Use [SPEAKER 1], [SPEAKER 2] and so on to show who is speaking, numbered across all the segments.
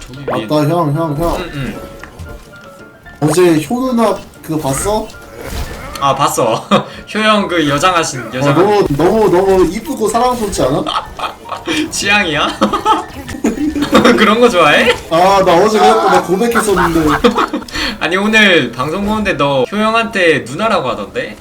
[SPEAKER 1] 저기 위에.
[SPEAKER 2] 맞다 형.
[SPEAKER 1] 응.
[SPEAKER 2] 어제 효 누나 그거 봤어?
[SPEAKER 1] 아 봤어. 효영 그 여장하신 여장.
[SPEAKER 2] 너무 이쁘고 사랑스럽지 않아?
[SPEAKER 1] 취향이야? 그런 거 좋아해?
[SPEAKER 2] 아 나 어제 그랬고 나 고백했었는데.
[SPEAKER 1] 아니 오늘 방송 보는데 너 효영한테 누나라고 하던데?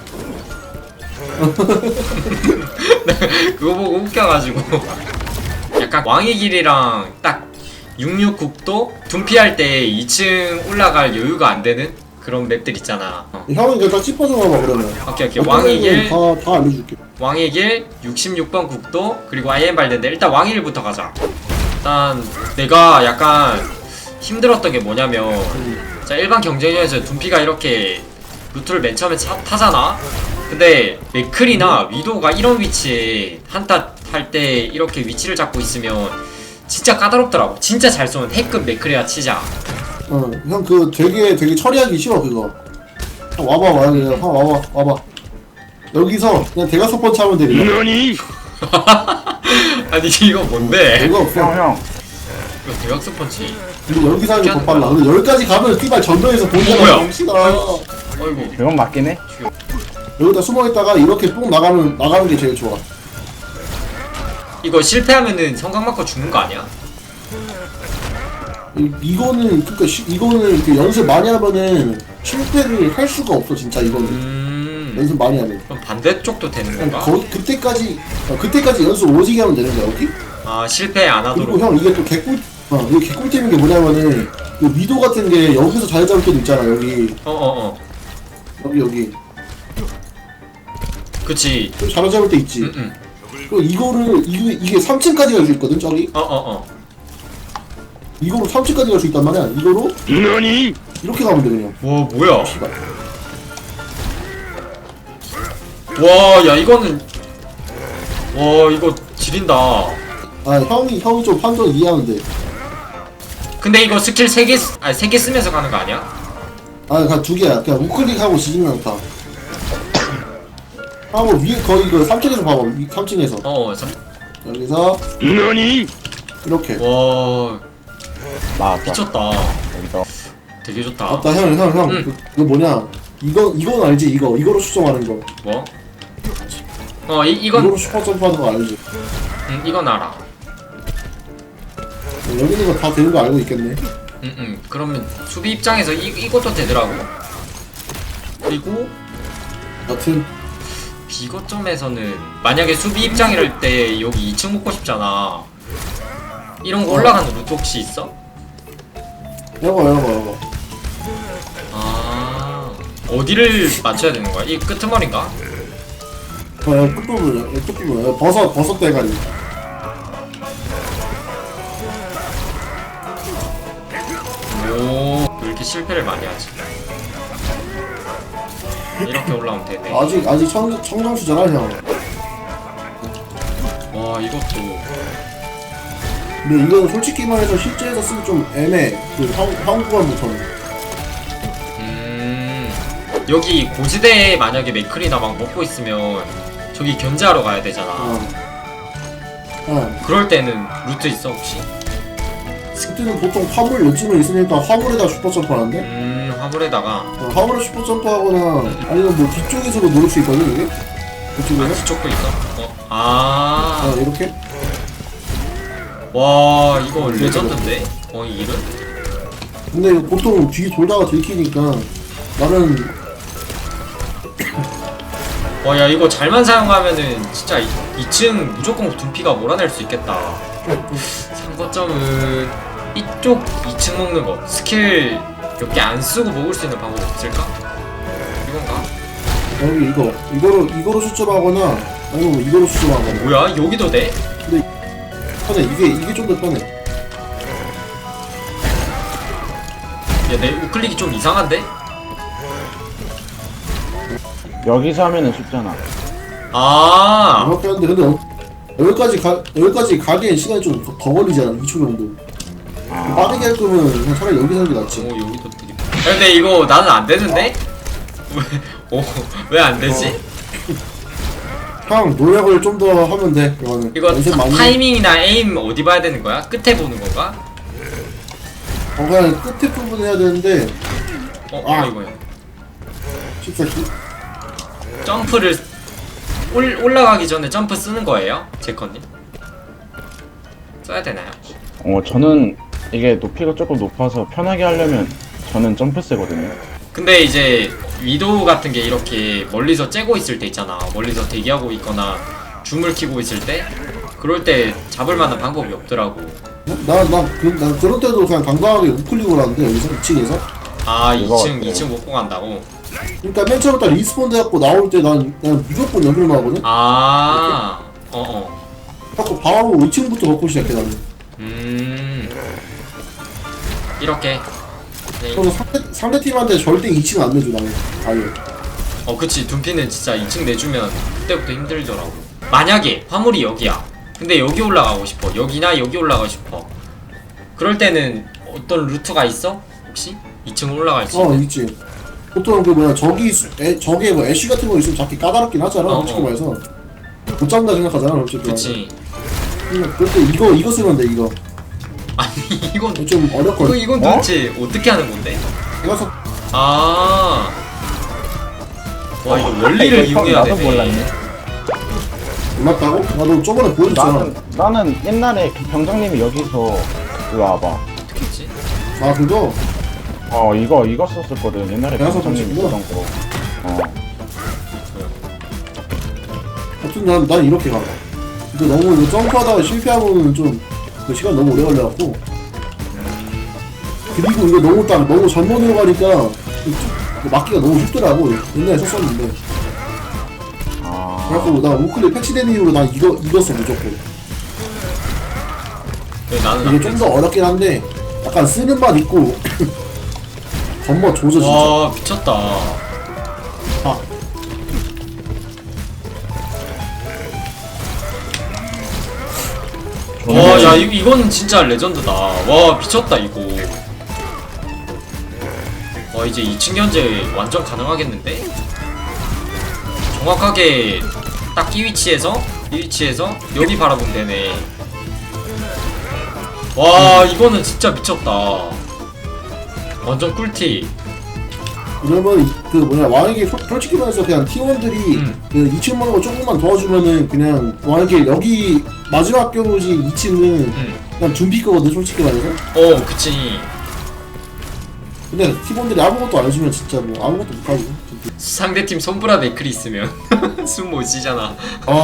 [SPEAKER 1] 그거 보고 웃겨가지고. 약간 왕의 길이랑 딱 66국도 둔피할 때 2층 올라갈 여유가 안 되는 그런 맵들 있잖아.
[SPEAKER 2] 형은 그냥 딱 짚어줘 봐봐 그러면.
[SPEAKER 1] 오케이. 왕의 길,
[SPEAKER 2] 다 알려줄게.
[SPEAKER 1] 왕의 길 66번 국도 그리고 IM 발대인데 일단 왕의 길부터 가자. 일단 내가 약간 힘들었던 게 뭐냐면 자 일반 경쟁전에서 둔피가 이렇게 루트를 맨 처음에 타잖아. 근데 맥클이나 위도가 이런 위치에 한타 할 때 이렇게 위치를 잡고 있으면 진짜 까다롭더라고. 진짜 잘 쏘는 핵급 맥클이라 치자.
[SPEAKER 2] 형 그 되게 처리하기 쉬워 그거. 형 와봐. 여기서 그냥 대각 번 차면 되거든.
[SPEAKER 3] 너니?
[SPEAKER 1] 아니 이거 뭔데?
[SPEAKER 2] 별거 없어.
[SPEAKER 3] 형.
[SPEAKER 1] 이거 대각선 펀치.
[SPEAKER 2] 근데 여기서 하는 게 더 빨라. 근데 여기까지 가면 띠발 전면에서
[SPEAKER 1] 뭐야?
[SPEAKER 2] 보이잖아. 정신아.
[SPEAKER 1] 어이구.
[SPEAKER 3] 그건 맞긴 해.
[SPEAKER 2] 여기다 숨어있다가 이렇게 뽕 나가는 게 제일 좋아.
[SPEAKER 1] 이거 실패하면은 성강 맞고 죽는 거 아니야?
[SPEAKER 2] 이거는 이렇게 연습 많이 하면은 실패를 할 수가 없어 진짜 이거는. 연습 많이 하면.
[SPEAKER 1] 그럼 반대쪽도 되는 건가?
[SPEAKER 2] 그때까지 연습 오지게 하면 되는 거야, 오케이?
[SPEAKER 1] 아 실패 안
[SPEAKER 2] 그리고
[SPEAKER 1] 하도록.
[SPEAKER 2] 형 이게 또 이게 개꿀템인 게 뭐냐면은 그 미도 같은 게 여기서 잘 잡을 때도 있잖아 여기. 여기.
[SPEAKER 1] 그치.
[SPEAKER 2] 잘 잡을 때 있지. 그리고 이게 3층까지 갈 수 있거든 저기. 이거로 3층까지 갈 수 있단 말이야. 이거로
[SPEAKER 3] 너니?
[SPEAKER 2] 이렇게 가면 돼 그냥.
[SPEAKER 1] 와 뭐야?
[SPEAKER 2] 씨발.
[SPEAKER 1] 와 야 이거는 와 이거 지린다.
[SPEAKER 2] 아 형이 좀 판정 이해하면 돼.
[SPEAKER 1] 근데 이거 스킬 3개 3개 쓰면서 가는 거 아니야?
[SPEAKER 2] 아 그냥 2개야. 그냥 우클릭하고 지진만 타. 하고 위에 거의 그 3층에서 봐봐. 3층에서. 여기서
[SPEAKER 3] 너니?
[SPEAKER 2] 이렇게.
[SPEAKER 1] 와
[SPEAKER 3] 맞다.
[SPEAKER 1] 미쳤다.
[SPEAKER 3] 여기서.
[SPEAKER 1] 되게 좋다.
[SPEAKER 2] 맞다 형. 그거 뭐냐? 이건 알지? 이거로 수정하는 거.
[SPEAKER 1] 뭐? 이건
[SPEAKER 2] 이거로 슈퍼 점프하는 거 알지?
[SPEAKER 1] 이건 알아.
[SPEAKER 2] 여기 있는 거 다 되는 거 알고 있겠네.
[SPEAKER 1] 그러면 수비 입장에서 이것도 되더라고. 그리고
[SPEAKER 2] 여튼
[SPEAKER 1] 비거점에서는 만약에 수비 입장이랄 때 여기 2층 먹고 싶잖아. 이런 거 올라가는 루트 혹시 있어?
[SPEAKER 2] 여거.
[SPEAKER 1] 아 어디를 맞춰야 되는 거야? 이 끄트머리인가?
[SPEAKER 2] 끝부분. 버섯 대가리.
[SPEAKER 1] 오, 왜 이렇게 실패를 많이 하지? 이렇게 올라오면 되네.
[SPEAKER 2] 아직 청정수잖아 형.
[SPEAKER 1] 와, 이것도.
[SPEAKER 2] 근데 이건 솔직히 말해서 실제에서 쓰기 좀 애매해. 그 한국어부터는.
[SPEAKER 1] 여기 고지대에 만약에 맥클이나 막 먹고 있으면 저기 견제하러 가야 되잖아. 그럴 때는 루트 있어 혹시?
[SPEAKER 2] 그때는 보통 화물 요즘은 있으니까 화물에다 슈퍼점프 하는데?
[SPEAKER 1] 화물에다가
[SPEAKER 2] 화물에 슈퍼점프 하거나 아니면 뭐 뒤쪽에서도 노릴 수 있거든 이게? 그쪽에서?
[SPEAKER 1] 뒤쪽도 있어?
[SPEAKER 2] 이렇게?
[SPEAKER 1] 와 이거 레전드인데? 이 일은?
[SPEAKER 2] 근데 이거 보통 뒤 돌다가 들키니까 나는
[SPEAKER 1] 와 야 이거 잘만 사용하면은 진짜 2층 무조건 둔피가 몰아낼 수 있겠다. 3거점은 이쪽 2층 먹는 거 스킬 몇 개 안 쓰고 먹을 수 있는 방법 없을까? 이건가?
[SPEAKER 2] 여기 이거로 수점하거나 아니면 이거로 수점하거나.
[SPEAKER 1] 뭐야 여기도 돼?
[SPEAKER 2] 편해. 이게 좀 더 편해.
[SPEAKER 1] 야 내 우클릭이 좀 이상한데?
[SPEAKER 3] 여기서 하면은 쉽잖아.
[SPEAKER 2] 이렇게 하는데 근데 여기까지 가기엔 시간이 좀 더 걸리잖아. 2초 정도. 빠르게 할 거면 그냥 차라리 여기서 하는 게 낫지.
[SPEAKER 1] 여기도 되게. 야, 근데 이거 나는 안 되는데? 왜 안 되지?
[SPEAKER 2] 형 노력을 좀 더 하면 돼. 이거는
[SPEAKER 1] 이거
[SPEAKER 2] 연습 많이
[SPEAKER 1] 타이밍이나 에임 어디 봐야 되는 거야? 끝에 보는 건가?
[SPEAKER 2] 그냥 끝에 부분 해야 되는데
[SPEAKER 1] 이거요.
[SPEAKER 2] 14키?
[SPEAKER 1] 점프를 올라가기 전에 점프 쓰는 거예요? 제커님? 써야 되나요?
[SPEAKER 3] 저는 이게 높이가 조금 높아서 편하게 하려면 저는 점프 세거든요.
[SPEAKER 1] 근데 이제 위도우 같은 게 이렇게 멀리서 째고 있을 때 있잖아. 멀리서 대기하고 있거나 줌을 키고 있을 때 그럴 때 잡을 만한 방법이 없더라고.
[SPEAKER 2] 난 그런 때도 그냥 당당하게 우클릭을 하는데 여기서 2층에서.
[SPEAKER 1] 아,
[SPEAKER 3] 이거
[SPEAKER 1] 2층 못 간다고?
[SPEAKER 2] 그러니까 맨 처음에 딱 리스폰 돼갖고 나올 때 난 그냥 무조건 여기로 나오거든.
[SPEAKER 1] 아,
[SPEAKER 2] 자꾸 바로 2층부터 걷고 시작해 나는.
[SPEAKER 1] 이렇게. 네.
[SPEAKER 2] 그래서 상대 팀한테 절대 2층 안 내줘 나는. 아예.
[SPEAKER 1] 그치. 둔피는 진짜 2층 내주면 그때부터 힘들더라고. 만약에 화물이 여기야. 근데 여기 올라가고 싶어. 여기나 여기 올라가고 싶어. 그럴 때는 어떤 루트가 있어? 혹시? 2층 올라갈 수 있는?
[SPEAKER 2] 있지. 보통 그 뭐야 저기에 뭐 애쉬 같은 거 있으면 잡기 까다롭긴 하잖아. 솔직히 말해서 못 잡는다 생각하잖아. 어쨌든.
[SPEAKER 1] 그치.
[SPEAKER 2] 그럴 때 이거 쓰면 돼 이거.
[SPEAKER 1] 아니 이건
[SPEAKER 2] 좀 어렵거든.
[SPEAKER 1] 이건 도대체 어떻게 하는 건데?
[SPEAKER 2] 이거서
[SPEAKER 1] 아. 와 이거 원리를 이용해야
[SPEAKER 3] 나도
[SPEAKER 1] 되네.
[SPEAKER 3] 몰랐네.
[SPEAKER 2] 몰랐다고? 나도 저번에 보여줬잖아.
[SPEAKER 3] 나는 옛날에 그 병장님이 여기서 이리 와봐.
[SPEAKER 1] 어떻게 했지?
[SPEAKER 2] 아 그거?
[SPEAKER 3] 이거 썼었거든. 옛날에
[SPEAKER 2] 내가
[SPEAKER 3] 병장님이
[SPEAKER 2] 썼구나.
[SPEAKER 3] 쓰던 거.
[SPEAKER 2] 하여튼 난 이렇게 가. 근데 너무 이거 점프하다가 실패하고는 좀 그 시간 너무 오래 걸려갖고. 그리고 이거 너무 전문으로 가니까 맞기가 너무 쉽더라고. 옛날에 썼었는데. 그래갖고 나 우클릭 패치된 이후로 난 이거 써 무조건.
[SPEAKER 1] 나는
[SPEAKER 2] 이게 좀 더 어렵긴 한데 약간 쓰는 맛 있고 겉멋 조져 진짜.
[SPEAKER 1] 와 미쳤다.
[SPEAKER 2] 아.
[SPEAKER 1] 와야 이건 진짜 레전드다. 와 미쳤다 이거. 와 이제 2층 견제 완전 가능하겠는데? 정확하게 딱 이 위치에서 여기 바라보면 되네. 와 이거는 진짜 미쳤다. 완전 꿀팁.
[SPEAKER 2] 그러면 그 뭐냐 만약에 솔직히 말해서 그냥 팀원들이 그 2층 먹는 거 조금만 도와주면은 그냥 만약에 여기 마지막 경우지 2층은 그냥 준비 거거든 솔직히 말해서.
[SPEAKER 1] 그치.
[SPEAKER 2] 근데 팀원들이 아무것도 안 해주면 진짜 뭐 아무것도 못하고 진짜.
[SPEAKER 1] 상대팀 손브라 맥클이 있으면 숨 못 쉬잖아.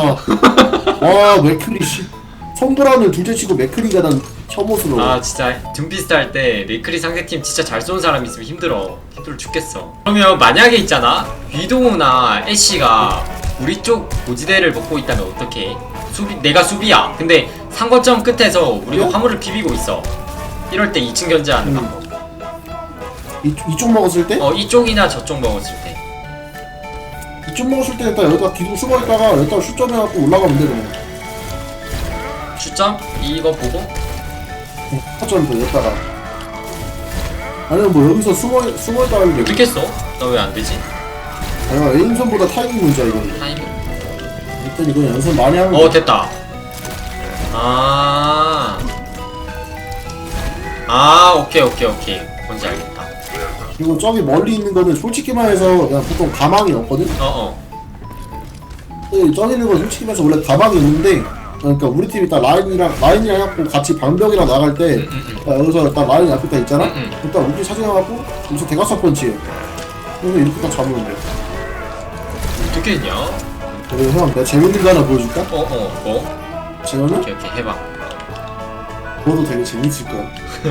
[SPEAKER 2] 맥크리 씨 손브라는 둘째치고 맥크리가 난 혐오스러워.
[SPEAKER 1] 아 진짜 둠피스트 할 때 맥클이 상대팀 진짜 잘 쏘는 사람 있으면 힘들어 죽겠어. 그러면 만약에 있잖아 위도우나 애쉬가 우리 쪽 고지대를 먹고 있다면 어떡해? 내가 수비야. 근데 상거점 끝에서 우리가
[SPEAKER 2] 그래?
[SPEAKER 1] 화물을 비비고 있어. 이럴 때 2층 견제하는 방법.
[SPEAKER 2] 이쪽 먹었을 때?
[SPEAKER 1] 이쪽이나 저쪽 먹었을 때.
[SPEAKER 2] 이쪽 먹었을 때 일단 여기다 기둥 숨어있다가 여기다 슛점 해갖고 올라가면 돼 그냥.
[SPEAKER 1] 슛점? 이거 보고?
[SPEAKER 2] 슛점 여기다가. 아니면 뭐 여기서 숨어있다가 하면
[SPEAKER 1] 어떻게 써? 나 왜 안 되지?
[SPEAKER 2] 에임선보다 타이밍 문제야 이거.
[SPEAKER 1] 타이밍?
[SPEAKER 2] 일단 이거 연습 많이 하면 돼.
[SPEAKER 1] 됐다. 오케이. 뭔지 알겠다.
[SPEAKER 2] 그리고 저기 멀리 있는 거는 솔직히 말해서 그냥 보통 가망이 없거든? 저기 있는 건 솔직히 말해서 원래 가망이 있는데 그러니까 우리 팀이 딱 라인이랑 해갖고 같이 방벽이랑 나갈 때 여기서 딱 라인 앞에 딱 있잖아? 일단 우리 사진해갖고 여기서 대각선 펀치해. 그래서 이렇게 딱 잡으면 돼.
[SPEAKER 1] 어떻게 했냐?
[SPEAKER 2] 그래 형 내가 재밌는 거 하나 보여줄까?
[SPEAKER 1] 뭐?
[SPEAKER 2] 재현은?
[SPEAKER 1] 오케이 해봐.
[SPEAKER 2] 그것도 되게 재밌을 거야.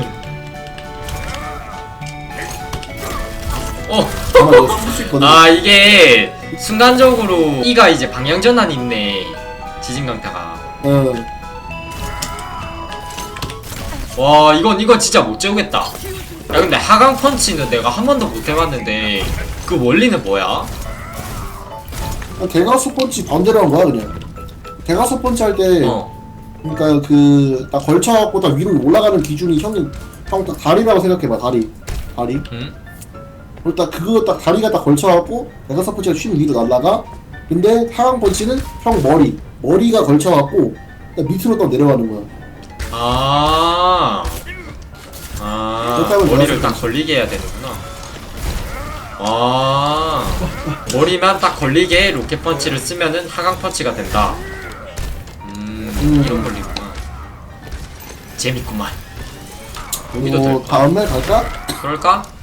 [SPEAKER 2] 아마 내가 쓸 수 있거든.
[SPEAKER 1] 이게 순간적으로 이가 이제 방향 전환 있네. 지진강타가. 와 이건 진짜 못 재우겠다. 야 근데 하강 펀치는 내가 한 번도 못 해봤는데 그 원리는 뭐야?
[SPEAKER 2] 대각선 펀치 반대로 한 거야 그냥. 대각선 펀치 할 때 그러니까 그 딱 걸쳐갖고 딱 위로 올라가는 기준이 형 딱 다리라고 생각해봐. 다리. 그리고 딱 그거 딱 다리가 딱 걸쳐갖고 대각선 펀치가 쉰 위로 날라가. 근데 하강 펀치는 형 머리가 걸쳐갖고 딱 밑으로 딱 내려가는 거야. 그렇다면
[SPEAKER 1] 머리를
[SPEAKER 2] 내가
[SPEAKER 1] 딱 걸리게 해야 되는구나. 아, 머리만 딱 걸리게 로켓 펀치를 쓰면은 하강 펀치가 된다. 이런 걸리구나. 재밌구만.
[SPEAKER 2] 그리고 다음에 갈까?
[SPEAKER 1] 그럴까?